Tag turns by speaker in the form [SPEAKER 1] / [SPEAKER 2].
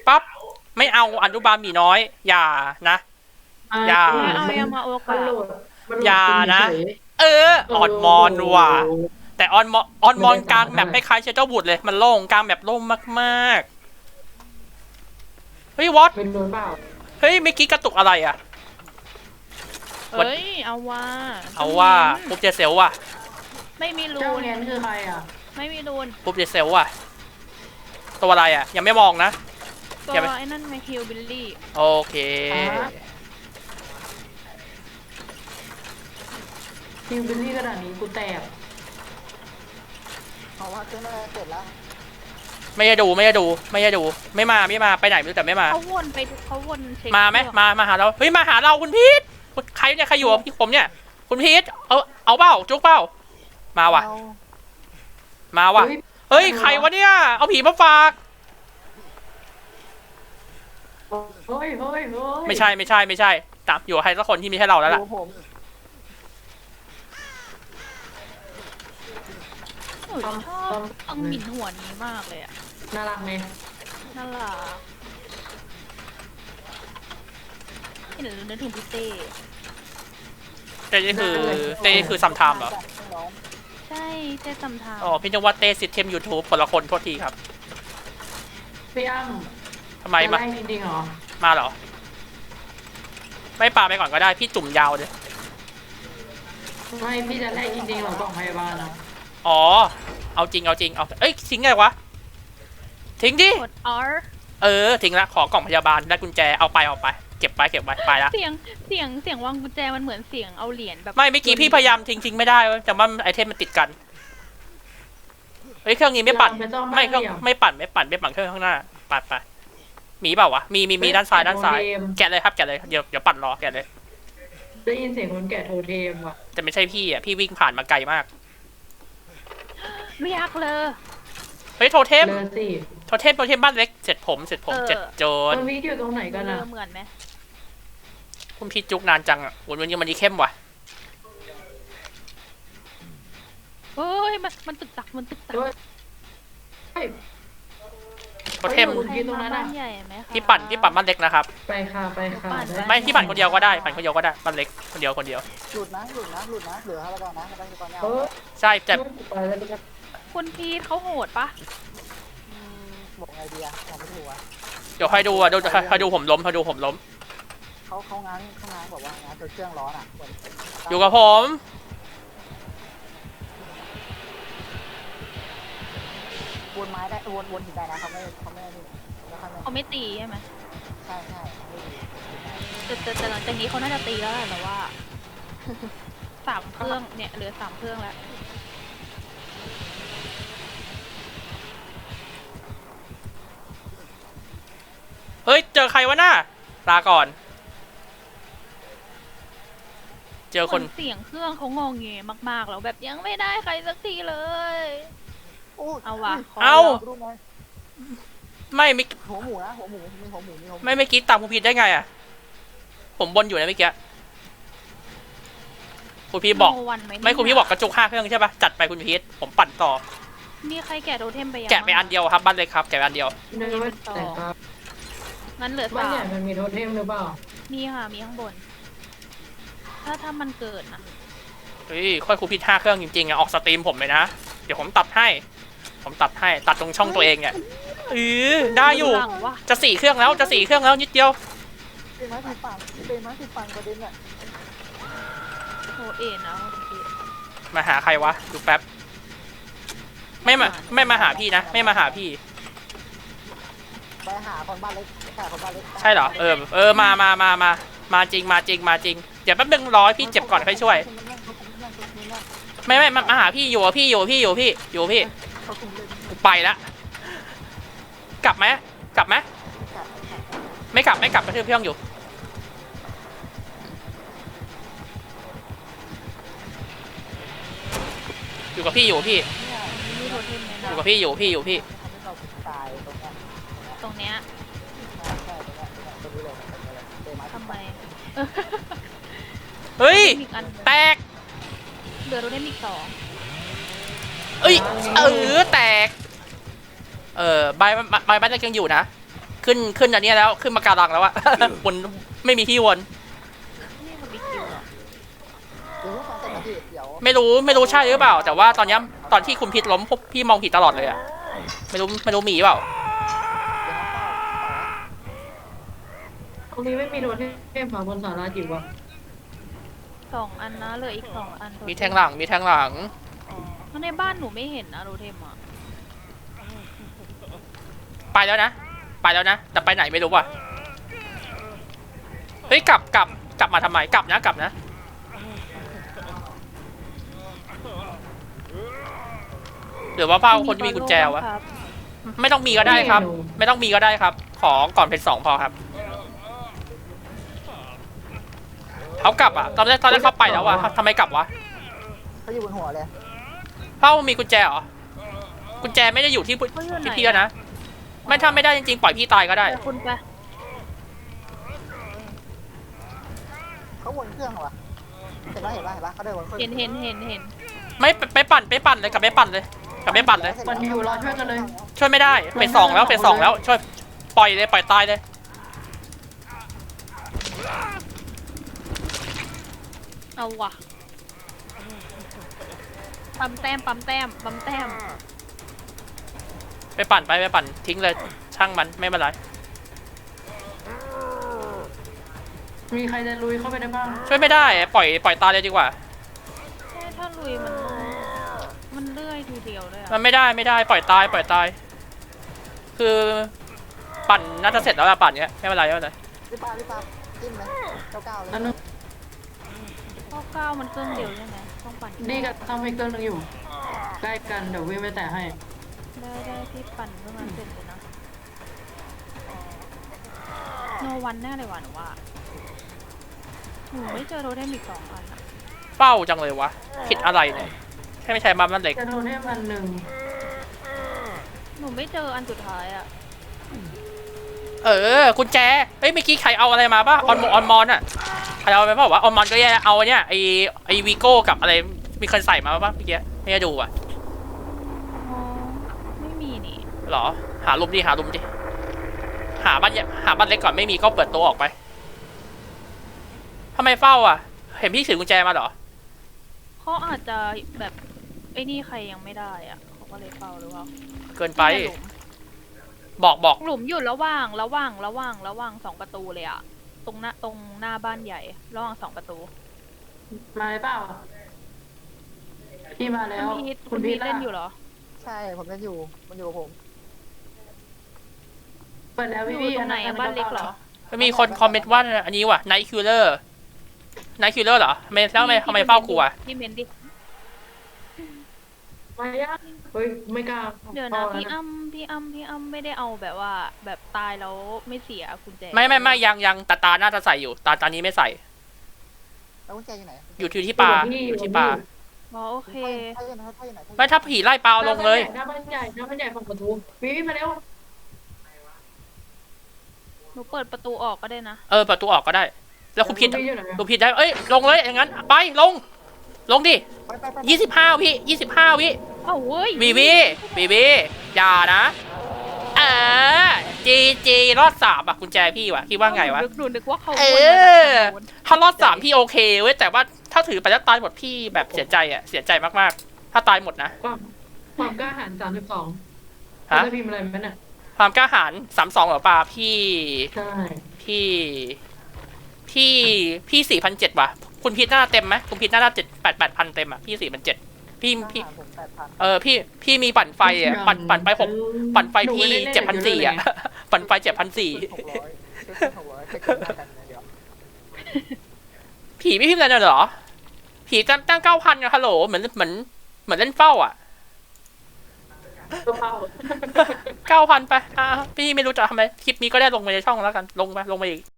[SPEAKER 1] ปั๊บไม่เอาอนุบาลหมีน้อยอย่านะอย่า
[SPEAKER 2] เอายามาโอกะ
[SPEAKER 1] อย่านะอ่อนมอนว่ะแต่ออนมอนกลางแบบคล้ายๆเชเจ้าบุตรเลยมันโล่งกลางแบบโล่งมากๆเฮ้ยวอต
[SPEAKER 3] เป็นโดนเปล่า
[SPEAKER 1] เฮ้ยเมื่อกี้กระตุกอะไรอ่ะ
[SPEAKER 2] เฮ้ยเอาว่า
[SPEAKER 1] ปุ๊บเจเซลว่ะ
[SPEAKER 2] ไม่มีรู
[SPEAKER 3] เจ้าน แอนคือใครอ่ะ
[SPEAKER 2] ไม่มีรูน
[SPEAKER 1] ปุ๊บเจเซลว่ะตัวอะไรอ่ะยังไม่มองนะ
[SPEAKER 2] ตัวไอ้นั่นไงฮิลบิลลี่
[SPEAKER 1] โอเค
[SPEAKER 3] ฮิวบิลลี่กระดาษนี้กูแตก
[SPEAKER 4] เพราะว่าเครื่องแรกเสร็จแล้ว
[SPEAKER 1] ไม่ได้ดูไม่มาไปไหนไม่รู้แต่ไม่มา
[SPEAKER 2] เขาวนเช็ค
[SPEAKER 1] มาไหมมาหาเราเฮ้ยมาหาเราคุณพีทใครเนี่ยใครอยู่กับพี่ผมเนี่ยคุณพีทเอาเปล่าจุกเปล่ามาว่ะเฮ้ยใครวะเนี่ยเอาผีมาฝาก
[SPEAKER 3] เฮ้ย
[SPEAKER 1] ไม่ใช่ตามอยู่ใครสักคนที่ไม่ใช่เราแล้วล่ะ
[SPEAKER 2] ชอบอังหมิ่นหัวนี้มากเลยอ่ะ
[SPEAKER 3] น่ารักไหม
[SPEAKER 2] น่ารักเดี๋ยวนึกถึงพี่เต้
[SPEAKER 1] นี่คือซัมไทม์เหรอ
[SPEAKER 2] ใช่เต้ซัมไทม์
[SPEAKER 1] อ๋อพี่นวัดเต้ซิสเต็มยูทูบคนละคนโทษทีครับ
[SPEAKER 3] พี่อ้ำ
[SPEAKER 1] ทำไมมา
[SPEAKER 3] จริงเหรอ
[SPEAKER 1] มาเหรอไม่ปาไปก่อนก็ได้พี่จุ่มยาวเลย
[SPEAKER 3] ไม่พี่จะไล่จริงๆเหรอกล่องพยาบาลนะ
[SPEAKER 1] อ๋อเอาจริงเอ้ยทิ้งไงวะทิ้งดิ
[SPEAKER 2] กด R
[SPEAKER 1] ทิ้งละขอกล่องพยาบาลได้กุญแจเอาไปเก็บไว้ไปละ
[SPEAKER 2] เสียงวางกุญแจมันเหมือนเสียงเอาเหรียญแบบ
[SPEAKER 1] ไม่เมื่อกี้พี่พยายามทิ้งไม่ได้แต่ว่าไอเทมมันติดกันเฮ้ยเครื่องนี้ไม่ปั่นไม่ปั่นเครื่องข้างหน้าปัดไปมีเปล่าวะมีด้านซ้ายแกะเลยครับแกะเลยเดี๋ยวปั่นรอแกะเลย
[SPEAKER 3] ได้ยินเสียงคนแกะโทเทมว่ะ
[SPEAKER 1] แต่ไม่ใช่พี่อ่ะพี่วิ่งผ่านมาไกลมาก
[SPEAKER 2] ไม่ยากเลย
[SPEAKER 1] เฮ้ยโทเทมบ้านเล็กเสร็จผมเจ็ดโจน
[SPEAKER 3] มันมีอยู่ตรงไหนกันอะ
[SPEAKER 2] เหมือนไหม
[SPEAKER 1] คุณพี่จุกนานจังอ่ะวันนี้มันเข้มว่ะ
[SPEAKER 2] เฮ้ยมันตึกตัก
[SPEAKER 1] โทเทม
[SPEAKER 3] ที่ตรงนั้นอะ
[SPEAKER 1] พี่ปั่นบ้านเล็กนะครับ
[SPEAKER 3] ไปค่ะ
[SPEAKER 1] ไม่พี่ปั่นคนเดียวก็ได้บ้านเล็กคนเดียว
[SPEAKER 4] หลุดนะเหลืออะไรก่อนนะ
[SPEAKER 1] ใช่แต่
[SPEAKER 2] คุณพีทเขาโหดปะ
[SPEAKER 4] บอกไงดีอะไม่ถูกอะ
[SPEAKER 1] เดี๋ยวให้ดูผมล้ม
[SPEAKER 4] เขาง้างบอกว่าง้างตัวเครื่องร้อนอ่ะ
[SPEAKER 1] อยู่กับผม
[SPEAKER 4] วนไม้ได้วนหินได้นะเขา
[SPEAKER 2] ไม่ตีใช่ไหม
[SPEAKER 4] ใช่
[SPEAKER 2] แต่หลังจากนี้เขาน่าจะตีแล้วแหละแต่ว่า3 เครื่องเนี่ยเหลือ3 เครื่องแล้ว
[SPEAKER 1] เฮ้ยเจอใครวะน่าลาก่อนเจอคน
[SPEAKER 2] เสียงเครื่องเขางงเงยมากๆแล้วแบบยังไม่ได้ใครสักทีเลยเอาวะ
[SPEAKER 1] ไม่
[SPEAKER 4] หัวหมูนะหัวหมู
[SPEAKER 1] ไม่เมื่อกี้ตามคุณพีทได้ไงอ่ะผมบนอยู่นะเมื่อกี้คุณพีทบอกไม่คุณพีทบอกกระจุก5 เครื่องใช่ปะจัดไปคุณพีทผมปั่นต่อ
[SPEAKER 2] มีใครแกะโทเทมไปยัง
[SPEAKER 1] แกะไปอันเดียวครับบ้านเล็กครับแกะไปอันเดียว
[SPEAKER 2] งั้นเหลือ
[SPEAKER 3] บ้านใหญ่มันมีโทเทมหรือเปล่า
[SPEAKER 2] มีค่ะมีข้างบนถ้ามันเกิดนะ
[SPEAKER 1] เฮ้ยค่อยคุณพีท5 เครื่องจริงๆอ่ะออกสตรีมผมเลยนะเดี๋ยวผมตัดให้ตัดตรงช่องตัวเองเนี่ยได้อยู่จะ4 เครื่องแล้วนิดเดียว
[SPEAKER 4] เป็นไม้ติดฝั่งประเด็นเนี่ย
[SPEAKER 2] โอเอ็นนะ
[SPEAKER 1] มาหาใครวะดูแป๊บไม่มาหาพี่นะไม่มาหาพี่
[SPEAKER 4] ไปหาคนบ้านเล็ก
[SPEAKER 1] ใช่เหรอมาจริงเดี๋ยวแป๊บนึงรอพี่เจ็บก่อนค่อยช่วยไม่มาหาพี่อยู่พี่ไปละกลับไหมไม่กลับกระทืบพี่ห้องอยู่กับพี่อยู่กับพี่
[SPEAKER 2] ตรงเนี้ยทำไม
[SPEAKER 1] เฮ้ยแตก
[SPEAKER 2] เหลือโดนได้อีก
[SPEAKER 1] 2แตกใบบ้านยังอยู่นะขึ้นอันเนี้ยแล้วขึ้นมาการังแล้วอะ วนไม่มีที่วน
[SPEAKER 2] นี่มันมีคิวเหรอ
[SPEAKER 4] เดี๋ยวฟังเสร็จนะพี่เดี๋ยว
[SPEAKER 1] ไม่รู้ใช่หรือเปล่า แต่ว่าตอนเนี้ยตอนที่คุณพิษล้มพวกพี่มองผิดตลอดเลยอะไม่รู้มีเปล่า
[SPEAKER 3] ตรงนี้ไม่มีโดนเทพค่ะบนศาลาจิ๋วอะ
[SPEAKER 2] 2 อันนะเหลืออีก 2 อัน
[SPEAKER 1] มีแทงหลัง
[SPEAKER 2] เพราะในบ้านหนูไม่เห็นนะโรเทมอ่ะ
[SPEAKER 1] ไปแล้วนะแต่ไปไหนไม่รู้ว่ะเฮ้ยกลับมาทำไมกลับนะหรือว่าเป้าคนที่มีกุญแจวะ
[SPEAKER 2] ครับ
[SPEAKER 1] ไม่ต้องมีก็ได้ครับ ไม่ต้องมีก็ได้ครับ ขอก่อนเพชร2พอครับเขากลับอ่ะตอนแรกเขาไปแล้ววะทำไมกลับวะ
[SPEAKER 4] เขาอยู่บนหัวเลย
[SPEAKER 1] เป้ามีกุญแจเหรอกุญแจไม่ได้อยู่ที่พี่นะไม่ทำไม่ได้จริงๆปล่อยพี่ตายก็ได้
[SPEAKER 2] แต่คุณไป
[SPEAKER 4] เขาวนเครื่องเหรอวะเห็นปะเขาเดินวนเครื่อง
[SPEAKER 2] เห็น
[SPEAKER 1] ไม่ไปปั่นเลยกลับไปปั่นเลย
[SPEAKER 3] มันอยู่รอช่วยกันเลย
[SPEAKER 1] ช่วยไม่ได้เป็น2แล้วช่วยปล่อยตายเลย
[SPEAKER 2] เอาว่ะปั๊มแต้ม
[SPEAKER 1] ไปปั่นทิ้งเลยช่างมันไม่เป็นไร
[SPEAKER 3] มีใครจะลุยเข้าไปได้บ้าง
[SPEAKER 1] ช่วยไม่ได้ปล่อยตายเลยดีกว่า
[SPEAKER 2] ใช่ถ้าลุยมันเลื่อยทีเดียวเลย
[SPEAKER 1] มั
[SPEAKER 2] อะ
[SPEAKER 1] นไม่ได้ปล่อยตายคือปั่นน่าจะเสร็จแล้วละปั่นเนี้ยไม่เป็นไร
[SPEAKER 4] รีบปาจิ้มไหมเก้าเลย
[SPEAKER 3] อันนึง
[SPEAKER 2] 9มันเครื่องเดียวใช่ไหมต้องปั่น
[SPEAKER 3] ดีกับทำให้เครื่องนึงอยู่ ใกล้กันเดี๋ยววิ่งไปแตะให้
[SPEAKER 2] ได้ที่ปั่นเพื่อมาเสร็จเลยนะโนวันแน่เลยว่ะหนูว่าหนูไม่เจอโรเทมอีก2 อันอะ
[SPEAKER 1] เป้าจังเลยวะผิดอะไรเนี่ยใช่ไม่ใช่มันเล็ก
[SPEAKER 3] จะโดนเทพอันหนึ่ง
[SPEAKER 2] หนูไม่เจออันสุดท้ายอะ
[SPEAKER 1] กุญแจเฮ้ยเมื่อกี้ใครเอาอะไรมาป่ะออนมอนอ่ะใครเอาไปเปล่าวะออนมอนก็แย่เอาเนี่ยไอวีโก้กับอะไรมีคนใส่มาป่ะเมื่อกี้ไม่ได้ดูอ่ะ
[SPEAKER 2] อ๋อไม่มีนี่
[SPEAKER 1] หรอหาลุมดิหาบ้านเล็กก่อนไม่มีก็เปิดตัวออกไปทำไมเฝ้าอ่ะเห็นพี่ถือกุญแจมาเหรอ
[SPEAKER 2] เขาอาจจะแบบไอ้นี่ใครยังไม่ได้อะเขาก็เลยเฝ้าหรือเปล่า
[SPEAKER 1] เกินไป
[SPEAKER 2] เนี่ย
[SPEAKER 1] บอก
[SPEAKER 2] หลุมอยู่ระหว่าง2 ประตูเลยอะตรงหน้าบ้านใหญ่ระหว่าง2 ประตู
[SPEAKER 3] มาเลยเปล่าพี่มาแล้ว
[SPEAKER 2] คุณพีทเล่นอยู่เหรอ
[SPEAKER 4] ใช่ผมจะอยู่มันอยู่กับผม
[SPEAKER 3] เปิดแล้ว
[SPEAKER 2] อยู่
[SPEAKER 3] พี่
[SPEAKER 2] ตรงไหนอะบ้านเล็กเหรอ
[SPEAKER 1] มีคนคอมเมนต์ว่าอันนี้ว่ะไนท์คิลเลอร์เหรอทำไมเฝ้ากูอ่ะ
[SPEAKER 2] พี่เมนดิ
[SPEAKER 3] มาย่าเฮ้ยไม่กล้า
[SPEAKER 2] เดี๋ยวนะพี่อ้ำไม่ได้เอาแบบว่าแบบตายแล้วไม่เสียกุญแจ
[SPEAKER 1] ไม่ยังตาน่าจะใส่อยู่ตานี้ไม่ใส่
[SPEAKER 4] แล้วกุญแจอยู่ไหน
[SPEAKER 1] อยู่ที่ปลา
[SPEAKER 2] อ๋อโอเค
[SPEAKER 4] ถ้าอยู่ไหน
[SPEAKER 1] ไม่ถ้าผีไล่ปลาเอาลงเลย
[SPEAKER 3] หน้าบ้านใหญ่ฝั่งประตูวิมาเร็ว
[SPEAKER 2] หนูเปิดประตูออกก็ได้นะ
[SPEAKER 1] ประตูออกก็ได้ แล้วคุณผิด
[SPEAKER 3] อยู่ไหน
[SPEAKER 1] คุณผิดได้ลงเลยอย่างนั้นไปลงดิ
[SPEAKER 4] ไป
[SPEAKER 1] 25 วิ25 วิ
[SPEAKER 2] เอ้าเว้ย
[SPEAKER 1] บีอย่านะจีรอด3อ่ะกุญแจพี่ว่ะคิดว่าไงวะ
[SPEAKER 2] หนูนึกว่าเขา
[SPEAKER 1] ถ้ารอด3พี่โอเคเว้ยแต่ว่าถ้าถือไปแล้วตายหมดพี่แบบเสียใจมากๆถ้าตายหมดนะ
[SPEAKER 3] ความกล้าหาญ32
[SPEAKER 1] ฮะ
[SPEAKER 3] จะพิมพ์อะไรไหมเนี่ย
[SPEAKER 1] ความกล้าหาญ32เหรอปลาพี่
[SPEAKER 3] ใช่
[SPEAKER 1] พี่4,700ว่ะคุณพีทหน้าเต็มไหมคุณพีทหน้า8,000เต็มอ่ะพี่4,700พี่
[SPEAKER 4] ผม8,000
[SPEAKER 1] พี่มีปั่นไฟอ่ะปั่นไปปั่นไฟพี่7,400อ่ะปั่นไฟ7,400
[SPEAKER 4] 600แค่กินกันเดียว
[SPEAKER 1] ผีไม่พิมพ์อะไรเลยเหรอผีตั้ง 9,000อะฮัลโหลเหมือนเล่นเฝ้าอ่ะ
[SPEAKER 3] ตัวเผา
[SPEAKER 1] 9,000ไปพี่ไม่รู้จะทำไมคลิปนี้ก็ได้ลงไปในช่องแล้วกันลงไปอีก